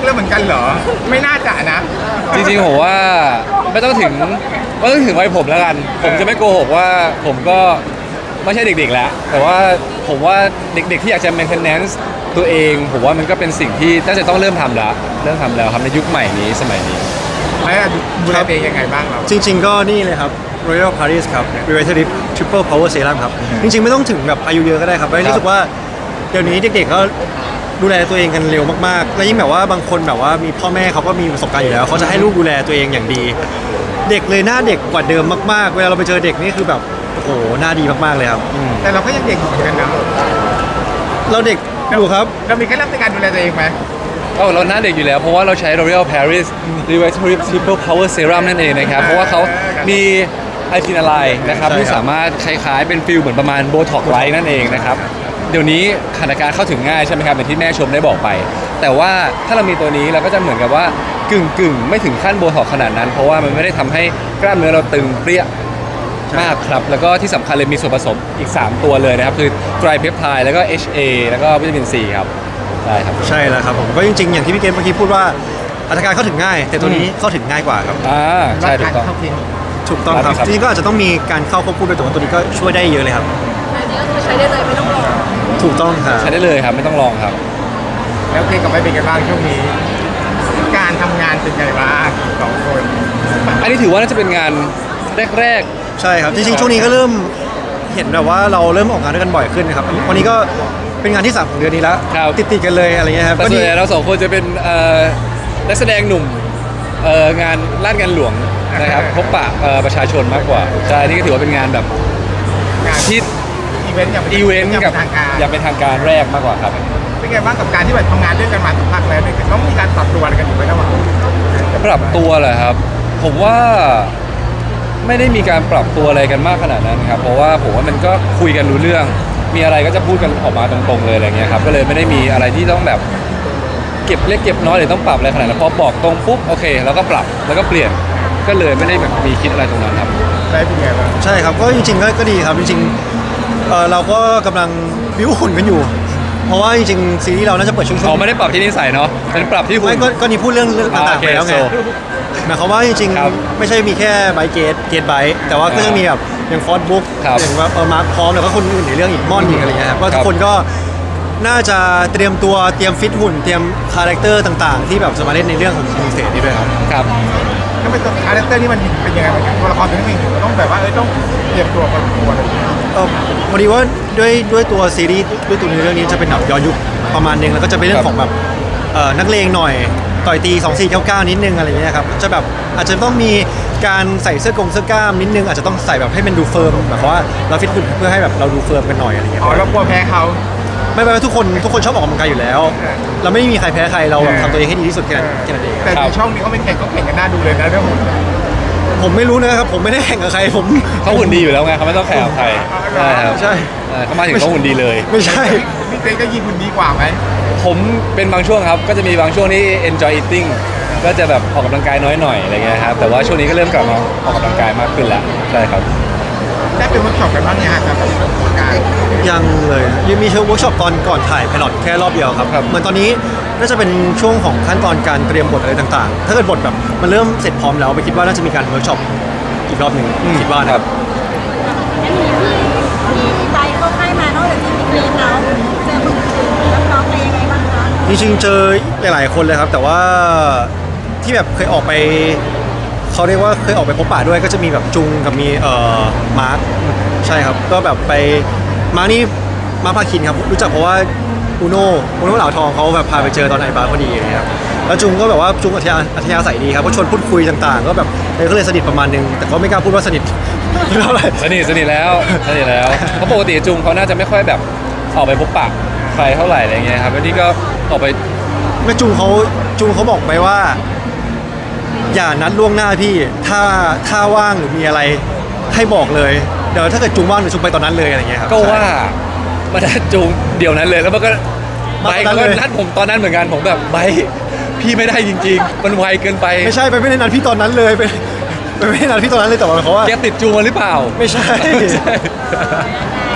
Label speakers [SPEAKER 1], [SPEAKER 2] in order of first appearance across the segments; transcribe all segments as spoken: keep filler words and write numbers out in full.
[SPEAKER 1] แล้วเหมือนกันเหรอไม่น่าจะนะ
[SPEAKER 2] จริงๆผมว่าไม่ต้องถึงไม่ต้องถึงวัยผมแล้วกันผมจะไม่โกหกว่าผมก็ไม่ใช่เด็กๆแล้วแต่ว่าผมว่าเด็กๆที่อยากจะ maintenance ตัวเองผมว่ามันก็เป็นสิ่งที่น่าจะต้องเริ่มทำแล้วเริ่มทำแล้วครับในยุคใหม่นี้สมัยนี้
[SPEAKER 1] แล้วดูแลตัวเองยังไงบ้างเรา
[SPEAKER 3] จริงๆก็นี่เลยครับ Royal Paris ครับ Revitalift Triple Power Serum ครับจริงๆไม่ต้องถึงแบบอายุเยอะก็ได้ครับเพราะรู้สึกว่าเดี๋ยวนี้เด็กๆก็ดูแลตัวเองกันเร็วมากๆแล้วยิ่งแบบว่าบางคนแบบว่ามีพ่อแม่เขาก็มีประสบการณ์อยู่แล้วเขาจะให้ลูกดูแลตัวเองอย่างดีเด็กเลยหน้าเด็กกว่าเดิมมากๆเวลาเราไปเจอเด็กนี่คือแบบโอ้โหหน้าดีมากๆเลยครับ
[SPEAKER 1] แต่เราก็ยังเด็กอยู่เหมือนกันนะ
[SPEAKER 3] เราเด็กอยู่ครับ
[SPEAKER 1] เรามีเคล็ดลับในการดูแลตัวเองไหม
[SPEAKER 2] เออเราหน้าเด็กอยู่แล้วเพราะว่าเราใช้ L'Oréal Paris Revitalift Triple Power Serum นั่นเองนะครับเพราะว่าเขามีไอทินาไลน์นะครับที่สามารถคล้ายๆเป็นฟิลเหมือนประมาณโบท็อกไลท์นั่นเองนะครับเดี๋ยวนี้ขนาดการเข้าถึงง่ายใช่ไหมครับอย่างที่แม่ชมได้บอกไปแต่ว่าถ้าเรามีตัวนี้เราก็จะเหมือนกับว่ากึ่งกึ่งไม่ถึงขั้นโบท็อกขนาดนั้นเพราะว่ามันไม่ได้ทำให้กล้ามเนื้อเราตึงเปรี้ยมากครับแล้วก็ที่สำคัญเลยมีส่วนผสมอีกสามตัวเลยนะครับคือไตรเพปไทด์แล้วก็ เอช เอ แล้วก็วิตามิน ซี ครับใช่ครับ
[SPEAKER 3] ใช่แล้วครับผมก็จริงๆอย่างที่พี่เกมเมื่อกี้พูดว่าอัตราการเข้าถึงง่ายแต่ตัวนี้เข้าถึงง่ายกว่าครับ
[SPEAKER 2] อ่าใช่ถูกต้อง
[SPEAKER 3] ถูกต้องครับจริงๆก็อาจจะต้องมีการเข้าควบคู่ด้วยแต่ว่าตัวนี้ก็ช่วยได้เยอะเลยครับ
[SPEAKER 4] อันนี้ก็คือใช้ได้เลยไม่ต้องรอ
[SPEAKER 3] ถูกต้องครับ
[SPEAKER 2] ใช้ได้เลยครับไม่ต้องลองครับ
[SPEAKER 1] แล้วเพลงกับไม่เป็นกันบ้างช่วงนี้การทำงานเป็นไงบ้างสองคน
[SPEAKER 2] อันนี้ถือว่าน่าจะเป็นงานแรก
[SPEAKER 3] ๆใช่ครับจริงๆช่วงนี้ก็เริ่มเห็นแบบว่าเราเริ่มออกงานด้วยกันบ่อยขึ้นนะครับวันนี้ก็เป็นงานที่สามของเดือนนี้แล้วติดๆกันเลยอะไรเงี้ยครับ
[SPEAKER 2] ก็ดีเราสองคนจะเป็นนักแสดงหนุ่มงานลาดงานหลวงนะครับพบปะประชาชนมากกว่าใช่นี่ก็ถือว่าเป็นงานแบบ
[SPEAKER 1] งาน
[SPEAKER 2] ที่
[SPEAKER 1] อีเวนต์อย่าง
[SPEAKER 2] อีเวนต์กับอย่างเป็นทางการแรกมากกว่าครับ
[SPEAKER 1] เป็นไงบ้างกับการที่แบบทำงานด้วยกันมาสักพักแล้วเนี่ยต้องมีการปรับตัวกันอยู่ไหมระหว่าง
[SPEAKER 2] ปรับตัวเหรอครับผมว่าไม่ได้มีการปรับตัวอะไรกันมากขนาดนั้นครับเพราะว่าผมว่ามันก็คุยกันรู้เรื่องมีอะไรก็จะพูดกันออกมาตรงๆเลยอะไรเงี้ยครับก็เลยไม่ได้มีอะไรที่ต้องแบบเก็บเล็กเก็บน้อยหรือต้องปรับอะไรขนาดนั้นพอบอกตรงปุ๊บโอเคแล้วก็ปรับแล้วก็เปลี่ยนก็เลยไม่ได้แบบมีคิดอะไรตรงนั้นครับ
[SPEAKER 1] ใช่เป็นไงบ้าง
[SPEAKER 3] ใช่ครับก็จริงๆก็ดีครับจริงๆเอ่อเราก็กำลังบิ้วหุ่นกันอยู่เพราะว่าจริงๆซีรีส์เราน่าจะเปิดช่วงๆอ๋
[SPEAKER 2] อไม่ได้ปรับที่นิสัยเนาะเป็นปรับที่หุ่น
[SPEAKER 3] ไม่ก็นี่พูดเรื่องเรื่องต่างๆไปแล้วไงหมายความว่าจริงๆไม่ใช่มีแค่ไบเกตเกตไบแต่ว่าก็จะมีแบบอย่างฟอร์ดบุ๊กอย่างว่าเออมาร์คพร้อมแล้วก็คนอื่นในเรื่องอีกม่อนอีกอะไรเงี้ยครับก็ทุกคนก็น่าจะเตรียมตัวเตรียมฟิตหุ่นเตรียมคาแรคเตอร์ต่างๆที่แบบจะมาเล่นในเรื่องของคิงเซตนี่ด้วยครับ
[SPEAKER 2] ครับ
[SPEAKER 1] ก็เป็นตัวคาแรคเตอร์ที่มันเป็นยังไงบ้างตัวละครตัวนี้ต้องแบบว่าเออต้องเตรียมตัวกันตัวอะไร
[SPEAKER 3] เออพอดีว่าด้วยด้วยตัวซีรีส์ด้วยตัวเรื่องนี้จะเป็นแบบย้อนยุคประมาณนึงแล้วก็จะเป็นเรื่องของแบบเอ่อนักเลงหน่อยต่อยตีสองสี่เก้าเก้านิดนึงอะไรอย่างเงี้ยครับจะแบบอาจจะต้องมีการใส่เสื้อกงเสื้อกล้ามนิดนึงอาจจะต้องใส่แบบให้มันดูเฟิร์มแบบว่าเราฟิตหุ่นเพื่อให้แบบเราดูเฟิร์มกันหน่อยอะไรเงี้ย
[SPEAKER 1] อ๋อเรากลัวแพ้เขา
[SPEAKER 3] ไม่ไม่ทุกคนทุกคนชอบออกกำลังกายอยู่แล้วเราไม่มีใครแพ้ใครเราแบบทำตัวเองให้ดีที่สุดแค่นั้นเอง
[SPEAKER 1] แต่ในช่องนี้เขาไม่แข่งเขาแข่งกันน่าดูเลยนะเรื่องหุ่น
[SPEAKER 3] ผมไม่รู้นะครับผมไม่ได้แข่งกับใครผม
[SPEAKER 2] เขาหุ่นดีอยู่แล้วไงเขาไม่ต้องแข่งกับใคร
[SPEAKER 3] ใช่ครับใช่
[SPEAKER 2] เขามาถึงเขาหุ่นดีเลย
[SPEAKER 3] ไม่ใช่
[SPEAKER 1] พี่เต้ก็ยิงหุ่นดีกว่าไหม
[SPEAKER 2] ผมเป็นบางช่วงครับก็จะมีบางช่วงที่ enjoy eating ก็จะแบบออกกำลังกายน้อยหน่อยอะไรเงี้ยครับแต่ว่าช่วงนี้ก็เริ่มกลับมาออกกำลังกายมากขึ้นแล้วใช่ครับ
[SPEAKER 1] ได้เป็นเวิร์กช็อปกันบ้างเนี่ยครับกับการ
[SPEAKER 3] ยังเลยยังมีเชิงเวิร์กช็อปตอนก่อนถ่ายไพลอตแค่รอบเดียวครับเหมือนตอนนี้น่าจะเป็นช่วงของขั้นตอนการเตรียมบทอะไรต่างๆถ้าเกิดบทแบบมันเริ่มเสร็จพร้อมแล้วไปคิดว่าน่าจะมีการเวิร์กช็อปอีกรอบหนึ่งคิดว่านะครับ
[SPEAKER 4] งั้นมีพี่มีไปก็ให้มานอกจากที่มีคลิปแล้วเจอคนอื่นแล้วน้องเป็นยังไงบ้างคะ
[SPEAKER 3] จริงๆเจอหลายๆคนเลยครับแต่ว่าที่แบบเคยออกไปเขาเรียกว่าเคยออกไปพบปะด้วยก็จะมีแบบจุงกับมีเอ่อมาร์คใช่ครับก็แบบไปมาร์คนี่มาร์คพาคินครับรู้จักเพราะว่าอูโน่อูโน่เหล่าทองเขาแบบพาไปเจอตอนไอบาร์พอดีอย่างเงี้ยครับแล้วจุงก็แบบว่าจุงอัธยาอัธยาศัยดีครับก็ชวนพูดคุยต่างๆก็แบบเลยก็เลยสนิทประมาณนึงแต่ก็ไม่กล้าพูดว่าสนิทเท่าไหร่
[SPEAKER 2] สนิทสนิทแล้วสนิทแล้วเพราะปกติจุงเขาน่าจะไม่ค่อยแบบออกไปพบปะใครเท่าไหร่อะไรเงี้ยครับแล้วนี่ก็ออกไป
[SPEAKER 3] แม่จุงเขาจุงเขาบอกไปว่าอย่านัดล่วงหน้าพี่ถ้าถ้าว่างหรือมีอะไรให้บอกเลยเดี๋ยวถ้าเกิดจุงว่างเดี๋ยวจุงไปตอนนั้นเลยอะไรเงี้ยครับ
[SPEAKER 2] ก็ว่ามานัดจุงเดี๋ยวนั้นเลยแล้วมันก็ไบค์ก็นัดผมตอนนั้นเหมือนกันผมแบบไบค์พี่ไม่ได้จริงๆมันไวเกินไป
[SPEAKER 3] ไม่ใช่ไปไม่ได้นัดพี่ตอนนั้นเลยไปไปไม่ได้นัดพี่ตอนนั้นเลยแต่ว่าเขาว่า
[SPEAKER 2] แกติดจุงมาหรือเปล่า
[SPEAKER 3] ไม่ใช่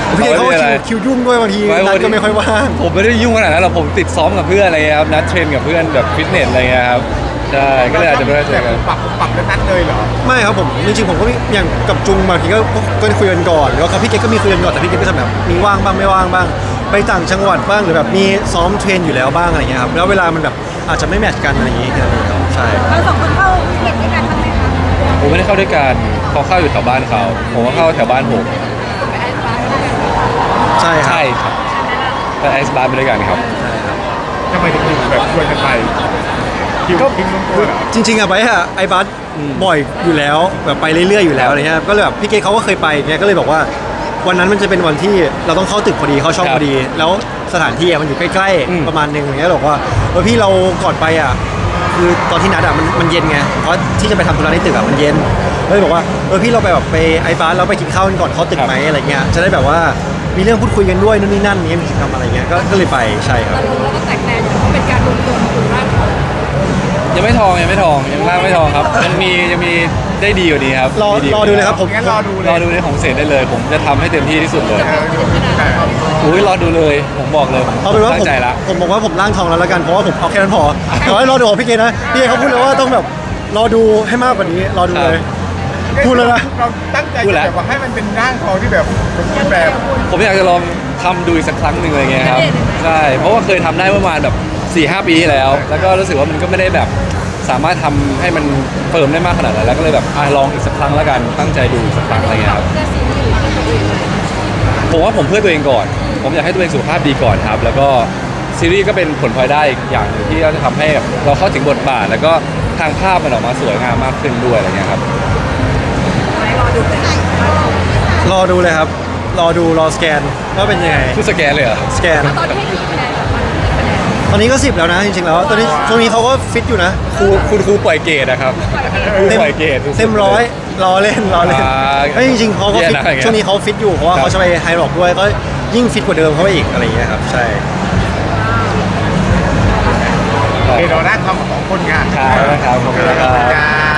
[SPEAKER 3] พี่เกเขาก็
[SPEAKER 2] ไม่ได้
[SPEAKER 3] คิว
[SPEAKER 2] อะไร
[SPEAKER 3] คิวยุ่งด้วยบางที
[SPEAKER 2] ไม่
[SPEAKER 3] นัดก็ไม่ค่อยว่าง
[SPEAKER 2] ผมไม่ได้ยุ่งขนาดนั้นหรอกผมติดซ้อมกับเพื่อนอะไรเงี้ยครับนัดเทรนกับเพื่อนแบบฟิตเนสอะไรเงี้ยครับใช่ก็เลยอาจจะไม่ได้เจอกัน
[SPEAKER 1] ปรับปรับแล้วนัดเลยเหรอ
[SPEAKER 3] ไม่ครับผมจริงๆผมก็มีอย่างกับจุงบางทีก็ก็คุยกันก่อนแล้วกับพี่เกก็มีคุยกันก่อนแต่พี่เกก็จะแบบมีว่างบ้างไม่ว่างบ้าง ไปต่างจังหวัดบ้างหรือแบบมีซ้อมเทรนอยู่แล้วบ้างอะไรเงี้ยครับแล้วเวลามันแบบอาจจะไม่แมทช์กันอะไรอย่างงี้แค่นั้นเองครับใช่
[SPEAKER 4] เราสองคนเข้าเรียนด้วยกันบ้างไหมคะ
[SPEAKER 2] ผมไม่ได้เข้าด้วยกันเขาเข้าอยู่แถวบ้านเขาผมก็เข้าแถวบ้านผม
[SPEAKER 3] ใช่ครับ
[SPEAKER 2] ใช่ครับไปไอซ์บาร์ไปด้วยกันครับ
[SPEAKER 1] ทำไมถึงอยู่แบบชวนกันไปคิวคิวลงตัวเหรอ
[SPEAKER 3] จริงๆอะไปอะไอบัส
[SPEAKER 2] อืม
[SPEAKER 3] บ่อยอยู่แล้วแบบไปเรื่อยๆอยู่แล้วอะไรเงี้ยก็เลยแบบพี่เกเขาก็เคยไปเงี้ยก็เลยบอกว่าวันนั้นมันจะเป็นวันที่เราต้องเข้าตึกพอดีเข้าช่องพอดี แล้วสถานที่อะมันอยู่ใกล้
[SPEAKER 2] อืม
[SPEAKER 3] ๆประมาณนึงอย่างเงี้ยบอกว่าเออพี่เราก่อนไปอะคือตอนที่นัดอะมันมันเย็นไงเพราะที่จะไปทำธุระในตึกอะมันเย็นเลยบอกว่าเออพี่เราไปแบบไปไอบัสเราไปกินข้าวกันก่อนเข้าตึกไหมอะไรเงี้ยจะได้แบบว่ามีเรื่องพูดคุยกันด้วยนู่นนี่นั่นเงี้ยมีกิจกรรมอะไรเงี้ยก็ก็เลยไปใช่ครับ
[SPEAKER 4] เราก็แตกแนวอยู่เพราะเป็นการรวมตัวของกลุ่มร่างเขา
[SPEAKER 2] ยังไม่ทองยังไม่ทองยังล่างไม่ทองครับยังมียังมีได้ดีกว่านี้ครับ
[SPEAKER 3] รอ
[SPEAKER 2] มี
[SPEAKER 3] รอดูเลยครับผม
[SPEAKER 1] งั้นรอดูเลย
[SPEAKER 2] รอดูในของเศษได้เลย ผมจะทำให้เต็มที่ที่สุดเลย
[SPEAKER 1] เออดูแต่
[SPEAKER 2] อุ้ยรอดูเลย ผมบอกเลย
[SPEAKER 3] เอาเป็นว่า
[SPEAKER 2] ตั้
[SPEAKER 3] ผม
[SPEAKER 2] งใจละ
[SPEAKER 3] ผมบอกว่าผมร่างทองแล้วละกันเพราะว่าผมเอาแค่นั้นพอแต่ว่ารอดูของพี่เกนะพี่เกเขาพูดเลยว่าต้องแบบรอดูให้มากกว่านี้รอดูเลย พูดแล้วนะ
[SPEAKER 1] เราตั้งใจจะแบบว่าให้มันเป็นร่างทองที่แบบสมบูรณ์แบบ
[SPEAKER 2] ผมอยากจะลองทำดูอีกสักครั้งหนึ่งอะไรเงี้ยครับใช่เพราะว่าเคยทำได้ประมาณแบบสี่ห้าปีที่แล้ว แล้วก็รู้สึกว่ามันก็ไม่ได้แบบสามารถทำให้มันเฟิร์มได้มากขนาดนั้นแล้วก็เลยแบบอ่ะลองอีกสักครั้งแล้วกันตั้งใจดูอีกสักครั้งอะไรเงี้ยครับ
[SPEAKER 4] เพื่อซีรีส์เพื่อตัวเอง
[SPEAKER 2] ผมว่าผมเพื่อตัวเองก่อน ผมอยากให้ตัวเองสุขภาพดีก่อนครับ แล้วก็ซีรีส์ก็เป็นผลพลอยได้อีกอย่างหนึ่งที่จะทำให้แบบเราเข้าถึงบทบาท แล้วก็ทางภาพมันออกมาสวยงามมากขึ้นด้วยอะไรเงี้ยครับ
[SPEAKER 4] รอดูเลย
[SPEAKER 3] รอดูเลยครับ รอดูรอสแกนว่าเป็นยังไง
[SPEAKER 2] คือสแกนเลยเหรอ
[SPEAKER 3] สแกน
[SPEAKER 4] ตอนนี้ให้กี่คะแนนกับมันกี่คะแนน
[SPEAKER 3] ตอนนี้ก็สิบแล้วนะจริงๆแล้วตอนนี้ช่วงนี้เขาก็ฟิตอยู่นะ
[SPEAKER 2] ครูคุณครูปล่อยเกรดนะครับครูปล่อยเกรดสุดๆ
[SPEAKER 3] เต็มร้อยรอเล่นรอเล่น
[SPEAKER 2] อ่า
[SPEAKER 3] ไม่จริงๆเขาก็ฟิต
[SPEAKER 2] แย่นะอย่างเงี้ย
[SPEAKER 3] ช่วงนี้เขาฟิตอยู่เพราะว่า
[SPEAKER 2] ครับ
[SPEAKER 3] เขาจะไปไฮร็อกด้วยก็ยิ่งฟิตกว่าเดิมเข้าไปอีกอะไรอย่างเงี้ยครับใช่
[SPEAKER 1] เดี๋ยวเราได้ทำของคนงาน
[SPEAKER 2] ครับนะครับขอบคุณครับ
[SPEAKER 1] จ้า